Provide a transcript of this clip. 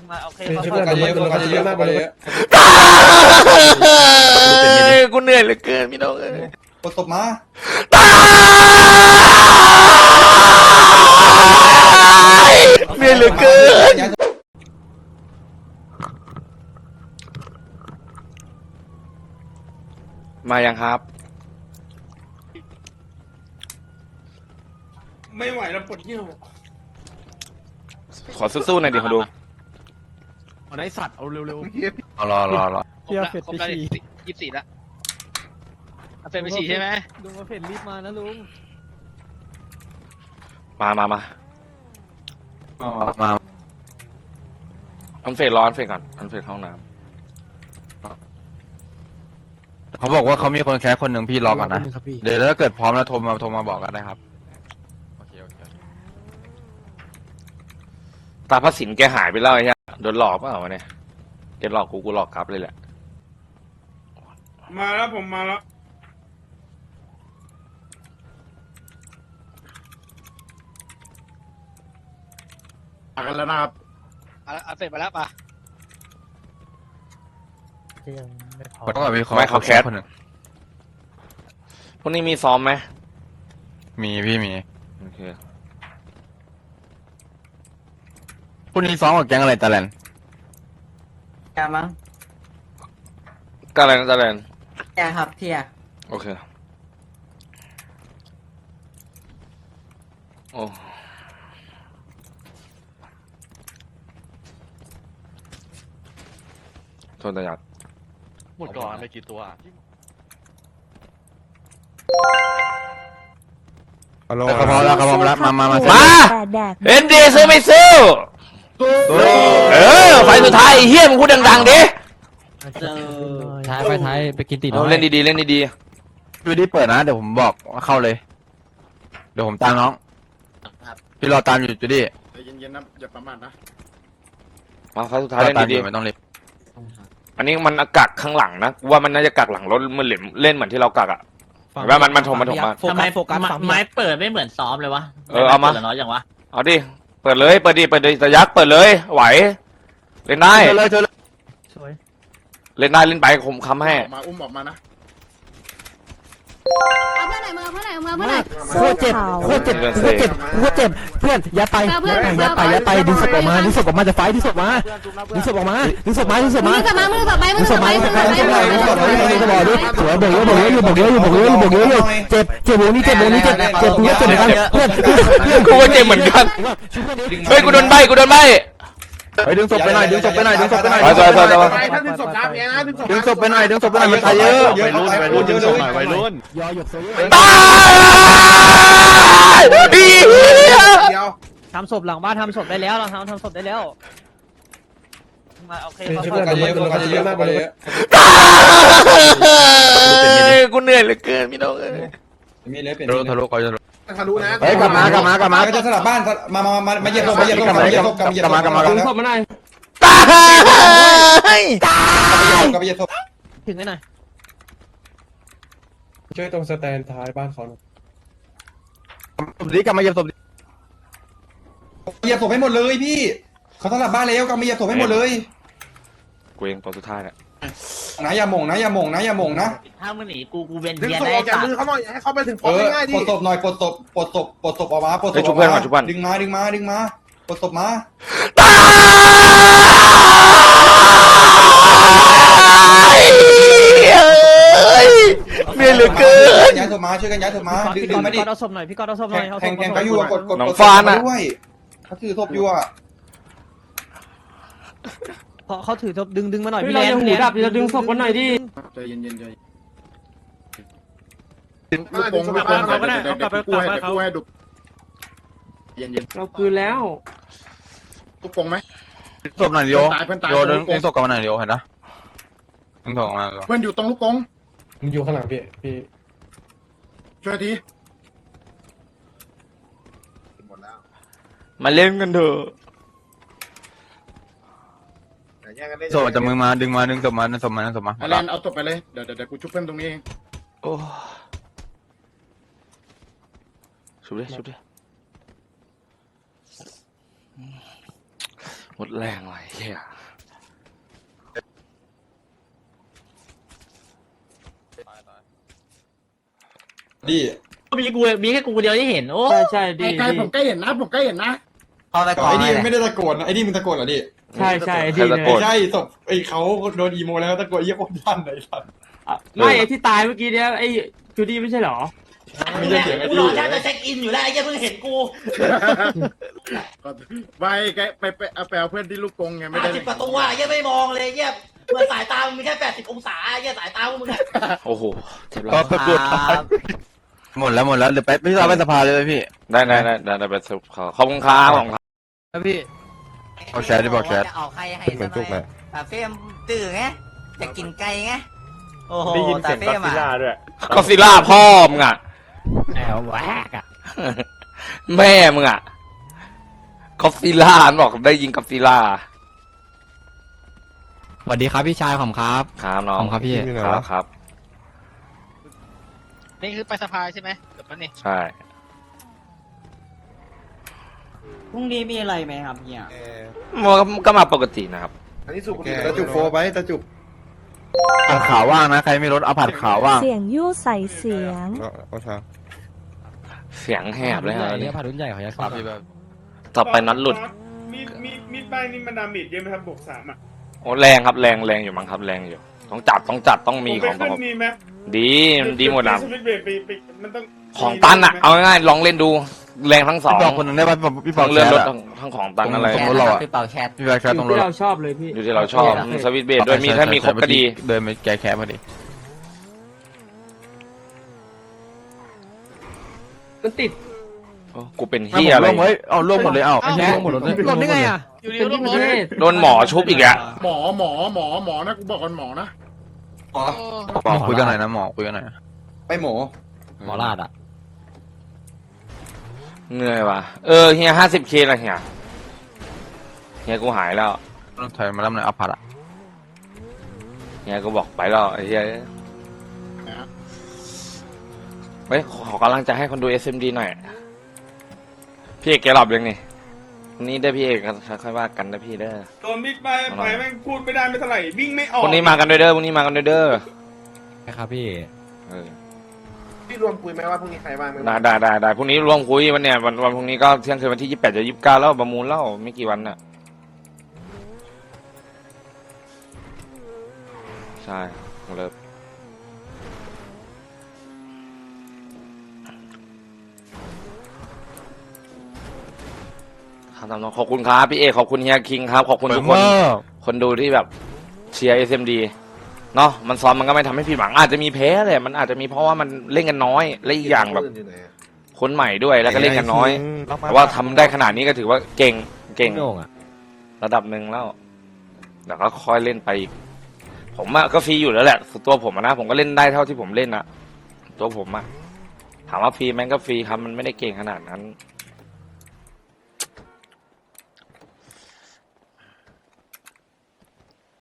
มาโอเคโฟกัสเยอะโฟกัสเยอะมากเลยกูเหนื่อยเหลือเกินพี่น้องเอ้ยกดตบมาเหนื่อยเหลือเกินมายังครับไม่ไหวแล้วปวดเยี่ยวขอสู้ๆหน่อยดิขอดูเอาได้สัตว์เอาเร็วรอเที่ยวเฟดไปฉี่ 24แล้วเอาเฟรมไปฉี่ใช่ไหมลุงมาเฟดรีบมานะลุงมาอันเฟดร้อนเฟดก่อนอันเฟดห้องน้เขาบอกว่าเขามีคนแคสคนหนึ่งพี่รอก่อนนะครับพี่เดี๋ยวถ้าเกิดพร้อมแล้วโทรมาบอกกันได้ครับ โอเคำตาพระสินแกหายไปแล้วไอ้เหี้ยโดนหลอกเปล่าวะเนี่ยแกหลอกกูหลอกกลับเลยแหละมาแล้วผมมาแล้วกันแล้วนะครับเอาเฟรมมาแล้วป่ะต้องแบบมีไม่เขาแคสคนหนึ่งพวกนี้มีซ้อมไหมมีพี่มีโอเคพรุ่งนี้ซ้อมกับแก๊งอะไรตะแลนยามั้งกาแลนกาแลนยาครับเทียโอเคโอ้โทษนะยัดหมดก่อนไปกี่ตัวเขาพร้อมแล้วมามาเอ็นดีซื้อไม่ซื้อไฟสุดท้ายไอ้เฮียมึงพูดดังๆดิท้ายไปท้ายไปกินตีน้เอาอยเล่นดีๆเล่นดีดูดิเปิดนะเดี๋ยวผมบอกว่าเข้าเลย เดี๋ยวผมตามน้องพี่รอตามอยู่จูดี้เย็นๆนะอย่าประมาทนะๆมาไฟสุดท้ายเล่นตามอดียู่ไม่ต้องรีบๆอันนี้มันกักข้างหลังนะกูว่ามันน่าจะกักหลังรถมันเล่นเหมือนที่เรากักอ่ะเห็นว่ามันถมมาทำไมโฟกัสฝั่งไม้เปิดไม่เหมือนซ้อมเลยวะเอามาปิดน้อยอย่างวะเอาดิเปิดเลยแต่ยักษ์เปิดเลยไหวเล่นได้เชิญเลยสวยเล่นได้เล่นไปผมค้ำให้มาอุ้มออกมานะเอาเพื่อนไหนมาเพื่อนไหนมาเพื่อนไหนโคตรเจ็บเพื่อนยัดไปดึงศพออกมาจะไฟดึงศพมาดึงศพออกมามือกลับมามือกลับไปมือกลับไปมือกลับไปมือกลับไปสวยบอกเยอะเจ็บวงนี้เจ็บกูก็เจ็บเหมือนกันเพื่อนกูก็เจ็บเหมือนกันเฮ้ยกูโดนใบไปดึงศพไปหน่อยดึงศพไปหน่อยไปถ้าดึงศพนะพี่นะดึงศพดึงศพไปหน่อยมันตายเยอะวัยรุ่นดึงศพหน่อยวัยรุ่นยอหยกโซยตายดีเดียวทำศพหลังบ้านทำศพได้แล้วเราทำศพได้แล้วมาโอเคโฟกัสเยอะโฟกัสเยอะมากเลยกูเหนื่อยเหลือเกินพี่น้องเอ้ยมีเลยเป็นทะลุเขาจะทะลุนะเฮ้ยกลับมาก็จะสลับบ้านมาเหยียบศพกลับมาเหยียบศพตายกลับมาเหยียบศพถึงไอ้หน่อยช่วยตรงสแตนท้ายบ้านเขาศพนี้กลับมาเหยียบศพเหยียบศพให้หมดเลยพี่เขาสลับบ้านแล้วกลับมาเหยียบศพให้หมดเลยกูเองตัวสุดท้ายแหละนะอย่าหม่งนะถ้ามึงหนีกูเวียนดึงเวียนศพได้ออกจากสัตมือว์เขาหน่อยให้เขาไปถึงปลดง่ายดิปลดศพหน่อยปลดศพออกมาปลดศพออกมาดึงมาปลดศพมาเหนื่อยเหลือเกินย้ายศพมาช่วยกันย้ายศพมาดึงมาดิเอาศพหน่อยพี่กอดเอาศพหน่อยแข่งเขาอยู่กดด้วยเขาถือศพอยู่อ่ะเขาถือศพดึงมาหน่อยเราจะหูดับจะดึงศพกันหน่อยดิใจเย็นๆใจลูกโป่งเขาก็ได้เขากลับไปเขาเย็นเราคืนแล้วๆลูกโป่งไหมศพหน่อยโยดึงศพกลับมาหน่อยโยเห็นนะดึงศพออกมาเพื่อนอยู่ตรงลูกโป่งมันอยู่ข้างหลังพี่ช่วยทีมาเล่นกันเถอะศพจะมือมาดึงศพมาแลนเอาศพไปเลยเดี๋ยวกูชุบเพื่อนตรงนี้เองโอ้ชุบดิหัวตรแรงเลยเฮียดิมีแค่กูเดียวที่เห็นโอ้ใช่ดีไกลผมใกล้เห็นนะผมใกล้เห็นนะเข้าในกล่องไอ้ดิเลยไม่ได้ตะโกนนะไอ้ดิมึงตะโกนเหรอดิใช่ใช่ใครดีตะเลโกยนใช่ศพไอ้เขาโดนอีโมแล้วตะโกนเยี่ยมคนท่านไหนสัตว์ไม่ไอ้ที่ตายเมื่อกี้เนี้ยไอ้จูดี้ไม่ใช่หรอไม่ใช่เสียงไอ้กูดิรอแค่จะเช็คอินอยู่แล้วไอ้เหี้ยเพิ่งเห็นกูไปไปเอาเพื่อนที่ลูกกงไงไม่ได้ 50 กว่าตัวไอ้เหี้ยไม่มองเลยไอ้เหี้ยเมื่อสายตามึงมีแค่80 องศาไอ้เหี้ยสายตามึงอะโอ้โหเจ็บแล้ก็วตะกรุดหมดแล้วเดี๋ยวไปพี่เราไปสภาเลยไหมพี่ได้ไปสรุปเขาขอบคุณครับของครับพี่เอาแชร์ดิบอกแชร์จะเอาใครให้เหมือนจุกเลยตาเฟมตื่นไงจะกินไก่ไงโอ้โหได้ยินเสียงตาก็เฟซิมล่าอ่ะด้วยก็ซิล่าพ่อมึงอ่ะแอบแหวกอ่ะแม่มึงอ่ะก็ซิล่าบอกได้ยินก็ซิล่าสวัสดีครับพี่ชายผมครับครับน้องผมครับพี่ครับนี่คือไปสภาใช่ไหมเดี๋ยวแป๊บนึงใช่พรุ่งนี้มีอะไรไหมครับเนี่ยมันก็มาปกตินะครับอันนี้สุกตะจุกโฟไปตะจุกผัดขาวว่างนะใครไม่ลดเอาผัดขาวว่างเสียงยู่ใส่เสียงเสียงแหบเลยฮะเนี่ยพารุ่นใหญ่เขาจะครับพี่แบบต่อไปนัดหลุดมีป้ายนี่มันดาเมจเยอะไหมครับบวก3อ่ะโอ้แรงครับแรงอยู่มั้งครับแรงอยู่ต้องจัดต้องมีของต้องมีไหมดีหมดนะสวิตช์เบรกไปมันต้องของตันอ่ะเอาง่ายๆลองเล่นดูแรงทั้งสองพี่บอกคนหนึงได้ป่ะพี่บทั้อกงแชเลื่อนร์รถอะทั้งของตันอะไรตรงรถเราอะพี่เป่าแชทพี่บอกแชร์ตรงรถที่เราชอบเลยพี่อยู่ที่เราชอบสวิตช์เบรดด้วยมีถ้ามีครบก็ดีเดินไปแก้แค้นพอดีมันติดโอ้กูเป็นเฮียอะไรเฮ้ยเอาล่วงหมดเลยเอาแค่หมดรถเลยหล่นได้ไงอ่ะอยู่ในเป็นรที่ถประเทศโดนหมอชุบอีกอะหมอนะกูบอกก่อนหมอนะหมอหมอคุยกันหน่อยนะหมอคุยกันหน่อยไปหมอหมอลาดอ่ะเหนื่อยว่ะเฮีย50K ละเฮียกูหายแล้วต้องถอยมาแล้วมันเอาผัดอะเฮียกูบอกไปแล้วไอ้เฮียเฮ้ยขอกำลังใจให้คนดู SMD หน่อยพี่เอกแกหลับยังนี่วันนี้ได้พี่เอกค่อยว่ากันนะพี่เด้อโดนบิ๊กไปแม่งพูดไม่ได้ไม่เท่าไหร่วิ่งไม่ออกพรุ่งนี้มากันด้วยเด้อพรุ่งนี้มากันด้วยเด้อครับพี่พี่รวมคุยไหมว่าพรุ่งนี้ใครบ้างได้พรุ่งนี้รวมคุยวันเนี่ยวันพรุ่งนี้ก็เที่ยงคืนวันที่28จะ29แล้วประมูลแล้วไม่กี่วันน่ะใช่เลิกครับน้องขอบคุณครับพี่เอกขอบคุณเฮียคิงครับขอบคุณทุกคนคนดูที่แบบเชียร์ SMD เนาะมันซ้อมมันก็ไม่ทำให้ผิดหวังอาจจะมีแพ้เลยมันอาจจะมีเพราะว่ามันเล่นกันน้อยและอีกอย่างแบบคนใหม่ด้วยแล้วก็เล่นกันน้อยแต่ว่าทำได้ขนาดนี้ก็ถือว่าเก่งโด่งอ่ะระดับหนึ่งแล้วแต่ก็ค่อยเล่นไปอีกผมอะก็ฟรีอยู่แล้วแหละตัวผมนะผมก็เล่นได้เท่าที่ผมเล่นนะตัวผมอะถามว่าฟรีแม่งก็ฟรีครับมันไม่ได้เก่งขนาดนั้น